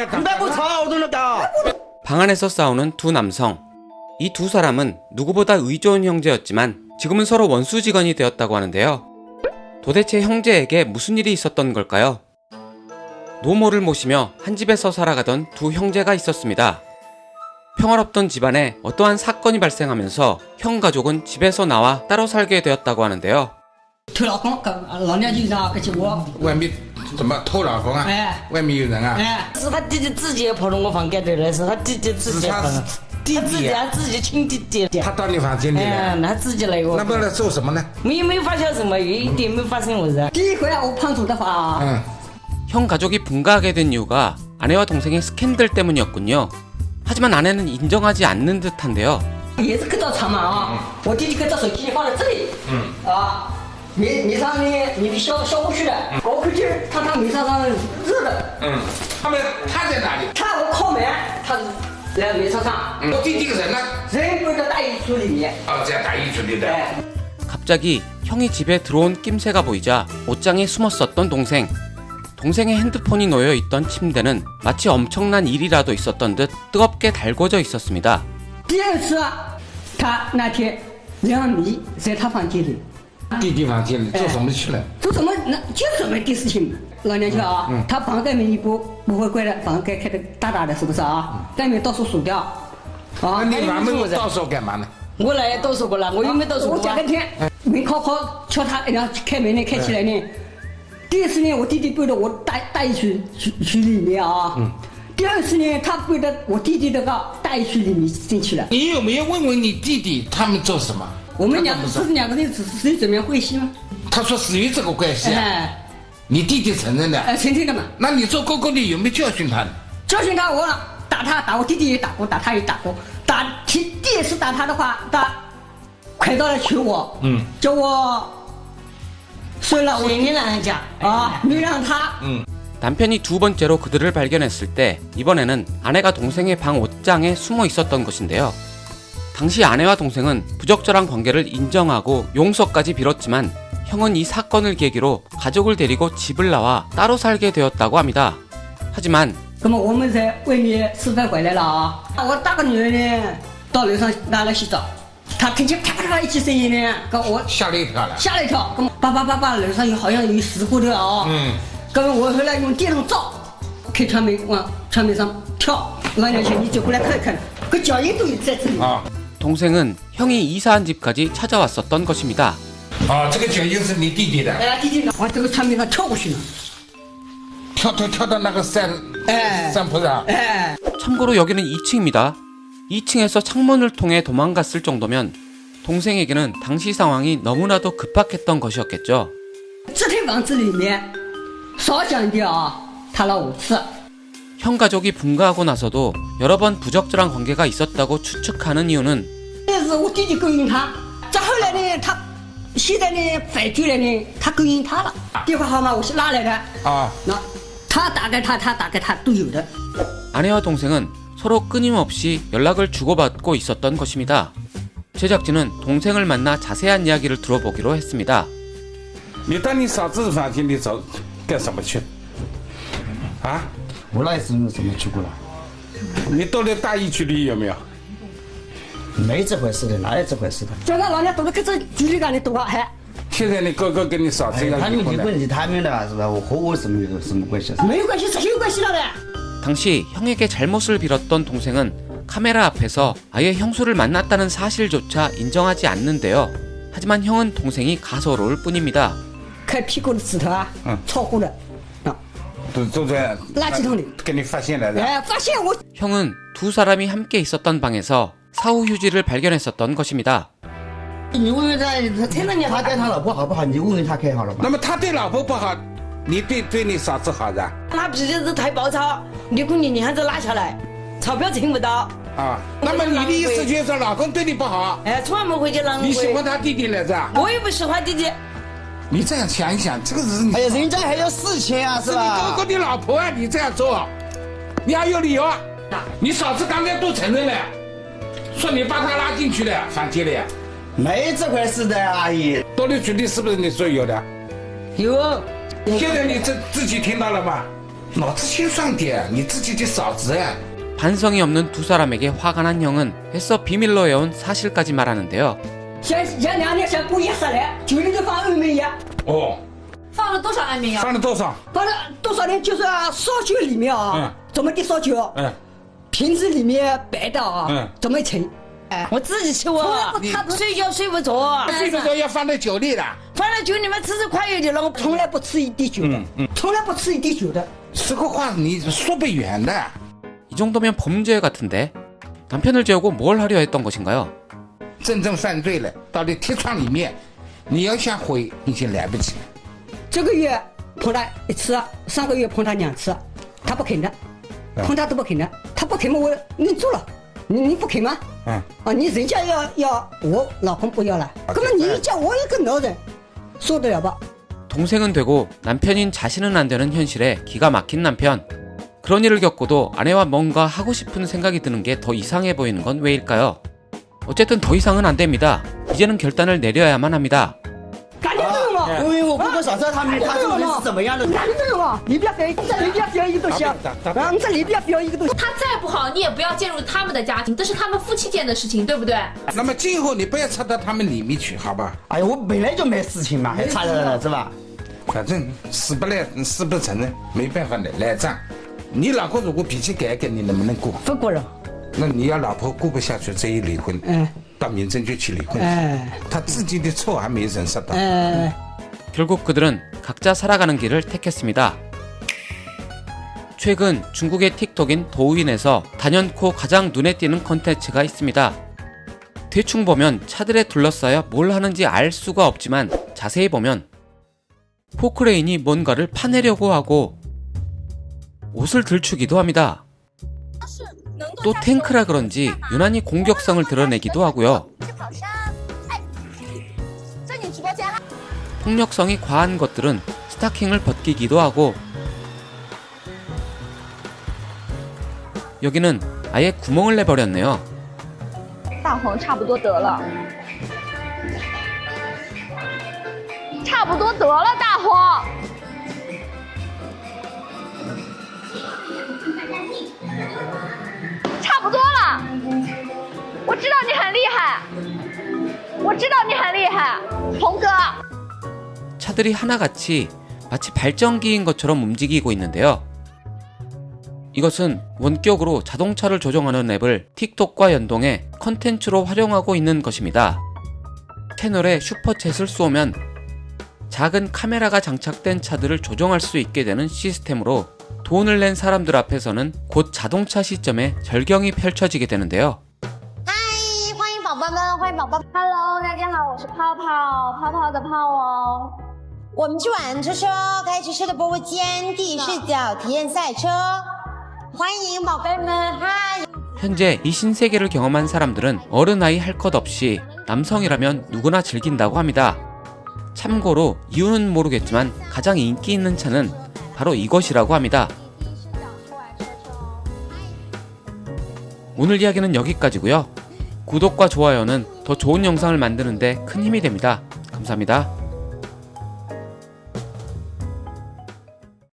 방 안에서 싸우는 두 남성. 이 두 사람은 누구보다 의좋은 형제였지만 지금은 서로 원수지간이 되었다고 하는데요. 도대체 형제에게 무슨 일이 있었던 걸까요? 노모를 모시며 한 집에서 살아가던 두 형제가 있었습니다. 평화롭던 집안에 어떠한 사건이 발생하면서 형 가족은 집에서 나와 따로 살게 되었다고 하는데요. 偷老公，老娘就让跟起我， 外面怎么偷老公啊？ 哎外面有人啊？ 是他弟弟自己跑到我房间里来，是他弟弟自己跑的，他自己亲弟弟。 他到你房间里来？ 他自己来过。 那不来做什么呢？ 没发现什么，一点没发生我事。第一回我碰触的话， 형 가족이 분가하게 된 이유가 아내와 동생의 스캔들 때문이었군요. 하지만 아내는 인정하지 않는 듯한데요. 也是看到床嘛啊，我弟弟看到手机放在这里，你上面你消不去的，我回去他米上热的， 他在哪里？ 我靠门，他在米车上， 我弟弟个人呢？ 人跪在大衣橱里面， 在大衣橱里的。 갑자기 형이 집에 들어온 낌새가 보이자 옷장에 숨었었던 동생. 동생의 핸드폰이 놓여있던 침대는 마치 엄청난 일이라도 있었던 듯 뜨겁게 달궈져 있었습니다. 第二次，他那天让米在他房间里， 弟弟房间里做什么去了？ 做什么就什么的事情。老娘舅啊，他房盖门一不会关的，房盖开的大大的，是不是啊？盖门到处锁掉。啊， 你把门到手干嘛呢？ 我来到手过了，我又没到手过。我讲个天，门敲敲他，然后开门呢，开起来呢。第一次呢，我弟弟背着我大衣区里面啊。第二次呢，他背着我弟弟那个大衣区里面进去了。 你有没有问问你弟弟他们做什么？ 我们两个人是怎么样关系吗？ 他说是有这个关系啊。你弟弟承认的？ 承认的嘛。 那你做哥哥的有没有教训他呢？ 教训他，我打我弟弟也打过，打他也打过。第一次打他的话，他快到来求我，叫我睡了，我没让人家没让他。 남편이 두 번째로 그들을 발견했을 때 이번에는 아내가 동생의 방 옷장에 숨어 있었던 것인데요. 당시 아내와 동생은 부적절한 관계를 인정하고 용서까지 빌었지만 형은 이 사건을 계기로 가족을 데리고 집을 나와 따로 살게 되었다고 합니다. 하지만 那么我们在外面吃饭回来了啊，我大个女儿呢到楼上拿来洗澡，她听见啪啪啪一起声音呢，跟我吓了一跳了。 吓了一跳，跟叭叭叭叭楼上好像有事故的啊。跟我后来用电筒照，开窗门往窗门上跳。老娘舅，你走过来看看，个脚印都有在这里。 동생은 형이 이사한 집까지 찾아왔었던 것입니다. 这个脚印是你弟弟的。 弟弟往这个窗面上跳过去了。 跳到那个山坡上。 참고로 여기는 2층입니다. 2층에서 창문을 통해 도망갔을 정도면 동생에게는 당시 상황이 너무나도 급박했던 것이었겠죠. 这间房子里面少讲的啊，他了5次。 형 가족이 분가하고 나서도 여러 번 부적절한 관계가 있었다고 추측하는 이유는 但是我弟弟勾引他，再后来呢，他现在呢反过来呢，他勾引他了。电话号码我是拉来的那他打给他都有的。 아내와 동생은 서로 끊임없이 연락을 주고받고 있었던 것입니다. 제작진은 동생을 만나 자세한 이야기를 들어보기로 했습니다. 你到你嫂子房间里找干什么去？ 我那是怎么去过了？ 你到了大衣区里有没有？ 没这回事的，哪有这回事的？ 叫他老娘躲到这距离感里躲还。 现在你哥哥跟你嫂子要他们离婚了。 离婚是他们的，是吧？我和我什么关系？ 没有关系，是有关系了的。 당시 형에게 잘못을 빌었던 동생은 카메라 앞에서 아예 형수를 만났다는 사실조차 인정하지 않는데요. 하지만 형은 동생이 가소로울 뿐입니다. 开屁股的指头啊，超过了。 都在垃圾桶里给你发现来的。 发现我。 형은 두 사람이 함께 있었던 방에서 사후 휴지를 발견했었던 것입니다. 你问问他承认他对他老婆好不好？你问问他看好了吧？ 那么他对老婆不好，你对你嫂子好的。 他脾气是太暴躁，离婚你还是拉下来，钞票挣不到。 那么你的意思就是说老公对你不好？ 从来没回去浪费。 你喜欢他弟弟来着？ 我也不喜欢弟弟。 你这样想一想，这个是你。 哎呀，人家还要4000啊，是吧？ 你哥哥的老婆啊，你这样做，你还有理由啊？你嫂子刚才都承认了，说你把她拉进去了房间里。 没这回事的，阿姨。 多利局里是不是你说有的？ 有。 现在你自己听到了吗？ 脑子清爽点，你自己的嫂子。 반성이 없는 두 사람에게 화가 난 형은 애써 비밀로 해온 사실까지 말하는데요. 前2年想故意杀来，酒里头放安眠药， 哦， 放了多少安眠药？ 放了多少？ 放了多少呢？就是烧酒里面啊，怎么的烧酒？ 嗯， 瓶子里面白的啊，怎么盛？ 我自己吃我，他睡觉睡不着， 睡不着要放在酒里了。 放在酒里面吃快一点了。我从来不吃一滴酒的，从来不吃一滴酒的。 这个话你说不远的。 이 정도면 범죄 같은데 남편을 재우고 뭘 하려 했던 것인가요? 真正犯罪了，到了铁窗里面，你要想回已经来不及。 这个月碰他1次，上个月碰他2次，他不肯的，碰他都不肯的，他不肯嘛，我你做了，你不肯吗？你人家要我老公不要了，那么你叫我一个男人，受得了吧？ 동생은 되고 남편인 자신은 안 되는 현실에 기가 막힌 남편. 그런 일을 겪고도 아내와 뭔가 하고 싶은 생각이 드는 게 더 이상해 보이는 건 왜일까요? 어쨌든 더 이상은 안 됩니다. 이제는 결단을 내려야만 합니다. 赶紧走嘛！ 因为我不晓得他这个人是怎么样的。 赶紧走嘛！你不要飞，这里不要飞一个东西啊！你这里不要飞一个东西。 他再不好，你也不要介入他们的家庭，这是他们夫妻间的事情，对不对？ 那么今后你不要插到他们里面去，好吧？ 哎呀，我本来就没事情嘛，还插着了是吧？ 反正死不来，死不承认，没办法的，来账。你老公如果脾气改改，你能不能过？ 不过了。 那你要老婆过不下去，这一离婚，到民政局去离婚。他自己的错还没忍受到。 결국 그들은 각자 살아가는 길을 택했습니다. 최근 중국의 틱톡인 도우인에서 단연코 가장 눈에 띄는 컨텐츠가 있습니다. 대충 보면 차들에 둘러싸여 뭘 하는지 알 수가 없지만 자세히 보면 포크레인이 뭔가를 파내려고 하고 옷을 들추기도 합니다. 또 탱크라 그런지 유난히 공격성을 드러내기도 하고요. 폭력성이 과한 것들은 스타킹을 벗기기도 하고 여기는 아예 구멍을 내버렸네요. 大黄差不多得了，差不多得了，大黄。差不多了，我知道你很厉害，我知道你很厉害，红哥。 차들이 하나같이 마치 발전기인 것처럼 움직이고 있는데요. 이것은 원격으로 자동차를 조종하는 앱을 틱톡과 연동해 컨텐츠로 활용하고 있는 것입니다. 채널에 슈퍼챗을 쏘면 작은 카메라가 장착된 차들을 조종할 수 있게 되는 시스템으로 돈을 낸 사람들 앞에서는 곧 자동차 시점에 절경이 펼쳐지게 되는데요. 嗨，欢迎宝宝们，欢迎宝宝。Hello， 大家好，我是泡泡，泡泡的泡哦。我们去玩车车，开汽车的播物间，第一视角体验赛车。欢迎宝贝们，嗨。 현재 이 신세계를 경험한 사람들은 어른 나이 할 것 없이 남성이라면 누구나 즐긴다고 합니다. 참고로 이유는 모르겠지만 가장 인기 있는 차는 바로 이것이라고 합니다. 오늘 이야기는 여기까지고요. 구독과 좋아요는 더 좋은 영상을 만드는데 큰 힘이 됩니다. 감사합니다.